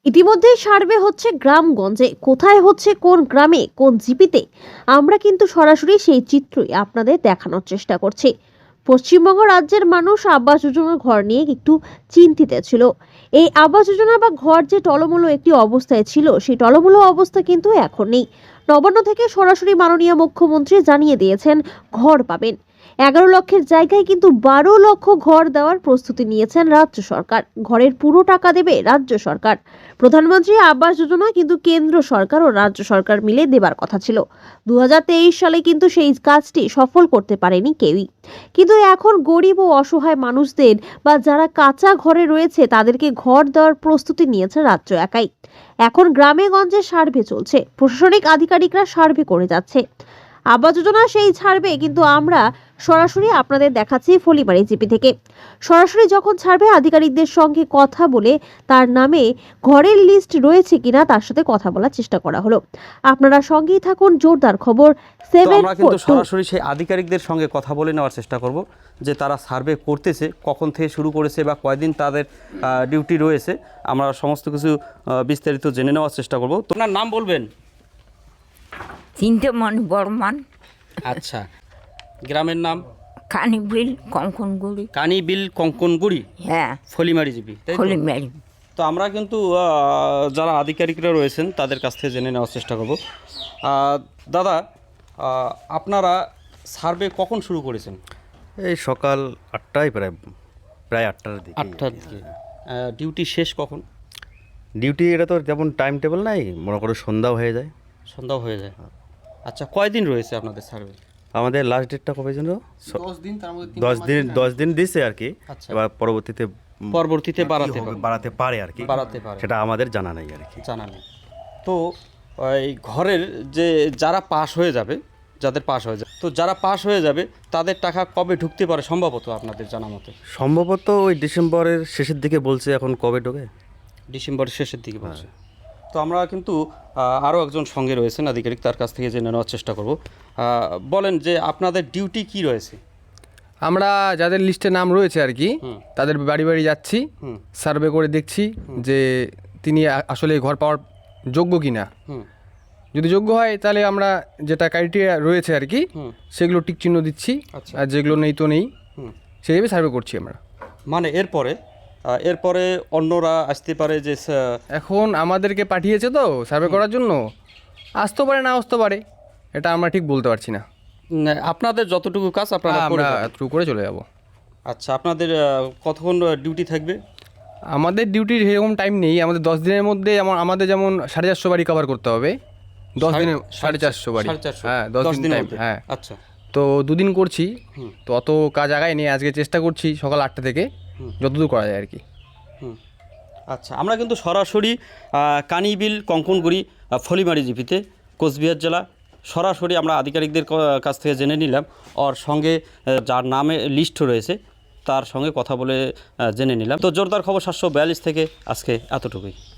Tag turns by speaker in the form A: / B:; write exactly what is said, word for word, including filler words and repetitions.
A: ইতিমধ্যেই সার্ভে হচ্ছে গ্রামগঞ্জে, কোথায় হচ্ছে, কোন গ্রামে, কোন জিপিতে। আমরা কিন্তু সরাসরি সেই চিত্রই আপনাদের দেখানোর চেষ্টা করছি। পশ্চিমবঙ্গ রাজ্যের মানুষ আবাস যোজনার ঘর নিয়ে একটু চিন্তিত ছিল। এই আবাস যোজনা বা ঘর যে টলমলো একটি অবস্থায় ছিল, সেই টলমলো অবস্থা কিন্তু এখন নেই। নবান্ন থেকে সরাসরি মাননীয় মুখ্যমন্ত্রী জানিয়ে দিয়েছেন ঘর পাবেন। এগারো লক্ষের জায়গায় কিন্তু বারো লক্ষ ঘর দেওয়ার প্রস্তুতি নিয়েছেন রাজ্য সরকার। ঘরের পুরো টাকা দেবে রাজ্য সরকার। প্রধানমন্ত্রী আবাস যোজনা কিন্তু কেন্দ্র সরকার ও রাজ্য সরকার মিলে দেবার কথা ছিল। দু হাজার তেইশ সালে কিন্তু সেই কাজটি সফল করতে পারেনি কেউই। কিন্তু এখন গরিব ও অসহায় মানুষদের বা যারা কাঁচা ঘরে রয়েছে তাদেরকে ঘর দেওয়ার প্রস্তুতি নিয়েছে রাজ্য একাই। এখন গ্রামে গঞ্জে সার্ভে চলছে, প্রশাসনিক আধিকারিকরা সার্ভে করে যাচ্ছে। আবাস যোজনা সেই ছাড়বে, কিন্তু আমরা সরাসরি আপনাদের দেখাচ্ছি ফলিমারি জিপি থেকে। সরাসরি যখন ছাড়বে আধিকারিকদের সঙ্গে কথা বলে তার নামে ঘরের লিস্ট রয়েছে কিনা তার সাথে কথা বলার চেষ্টা করা হলো। আপনারা সঙ্গেই থাকুন, জোরদার খবর সেভেন
B: আমরা কিন্তু সরাসরি সেই আধিকারিকদের সঙ্গে কথা বলে নেওয়ার চেষ্টা করব যে তারা সার্ভে করতেছে, কখন থেকে শুরু করেছে বা কয়দিন তাদের ডিউটি রয়েছে। আমরা সমস্ত কিছু বিস্তারিত জেনে নেওয়ার চেষ্টা করব। তোমার নাম বলবেন?
C: চিন্তামণি বর্মন।
B: আচ্ছা, গ্রামের নাম?
C: কানিবিল কঙ্কনগুড়ি।
B: কানিবিল কঙ্কনগুড়ি,
C: হ্যাঁ,
B: ফলিমারি জিপি।
C: ফলিমারি।
B: তো আমরা কিন্তু যারা আধিকারিকরা রয়েছেন তাদের কাছ থেকে জেনে নেওয়ার চেষ্টা করব। দাদা, আপনারা সার্ভে কখন শুরু করেছেন?
D: এই সকাল আটটায়, প্রায় প্রায় আটটার দিকে।
B: আটটার দিকে। ডিউটি শেষ কখন?
D: ডিউটি এটা তো যেমন টাইম টেবিল নাই, মনে করো সন্ধ্যাও হয়ে যায়।
B: সন্ধ্যাও হয়ে যায়। আচ্ছা, কয়দিন রয়েছে আপনাদের সার্ভে?
D: আমাদের লাস্ট ডেটটা কবে যেন?
E: দশ দিন। তার মধ্যে
D: দশ দিন দশ দিন দিছে আর কি।
B: আচ্ছা।
D: এবার পরবর্তীতে
B: পরবর্তীতে বাড়াতে
D: হবে, বাড়াতে পারে আর কি,
B: বাড়াতে পারে,
D: সেটা আমাদের জানা নাই আর কি।
B: জানা নেই। তো এই ঘরের যে যারা পাস হয়ে যাবে, যাদের পাস হয়ে যাবে, তো যারা পাস হয়ে যাবে তাদের টাকা কবে ঢুকতে পারে সম্ভবত আপনাদের জানা মতে?
D: সম্ভবত ওই ডিসেম্বরের শেষের দিকে বলছে, এখন কবে ঢোকে?
B: ডিসেম্বরের শেষের দিকে বলছে। তো আমরা কিন্তু আরও একজন সঙ্গে রয়েছেন আধিকারিক, তার কাছ থেকে জেনে নেওয়ার চেষ্টা করব। বলেন যে আপনাদের ডিউটি কি রয়েছে?
E: আমরা যাদের লিস্টে নাম রয়েছে আর কি, তাদের বাড়ি বাড়ি যাচ্ছি, সার্ভে করে দেখছি যে তিনি আসলে ঘর পাওয়ার যোগ্য কিনা। যদি যোগ্য হয় তাহলে আমরা যেটা ক্রাইটেরিয়া রয়েছে আর কি সেগুলো টিক চিহ্ন দিচ্ছি, আর যেগুলো নেই তো নেই, সেইভাবে সার্ভে করছি আমরা।
B: মানে এরপরে এরপরে অন্যরা আসতে পারে যে
E: এখন আমাদেরকে পাঠিয়েছে তো সার্ভে করার জন্য, আসতে পারে না আসতে পারে, এটা আমরা ঠিক বলতে পারছি না।
B: আপনাদের যতটুকু কাজ আপনারা
E: আমরা এতটুকু করে চলে যাব।
B: আচ্ছা, আপনাদের কতক্ষণ ডিউটি থাকবে?
E: আমাদের ডিউটির সেরকম টাইম নেই। আমাদের দশ দিনের মধ্যে আমাদের যেমন সাড়ে চারশো বাড়ি কভার করতে হবে। দশ দিনে সাড়ে চারশো বাড়ি, হ্যাঁ দশ দিন টাইম, হ্যাঁ।
B: আচ্ছা,
E: তো দুদিন করছি, তো অত কাজ আগায় নেই। আজকে চেষ্টা করছি সকাল আটটা থেকে যতদূর করা যায় আর কি।
B: আচ্ছা, আমরা কিন্তু সরাসরি কানিবিল কঙ্কনগুড়ি ফলিমারি জিপিতে, কোচবিহার জেলা, সরাসরি আমরা আধিকারিকদের কাছ থেকে জেনে নিলাম। ওর সঙ্গে যার নামে লিস্ট রয়েছে তার সঙ্গে কথা বলে জেনে নিলাম। তো জোরদার খবর সাতশো বিয়াল্লিশ থেকে আজকে এতটুকুই।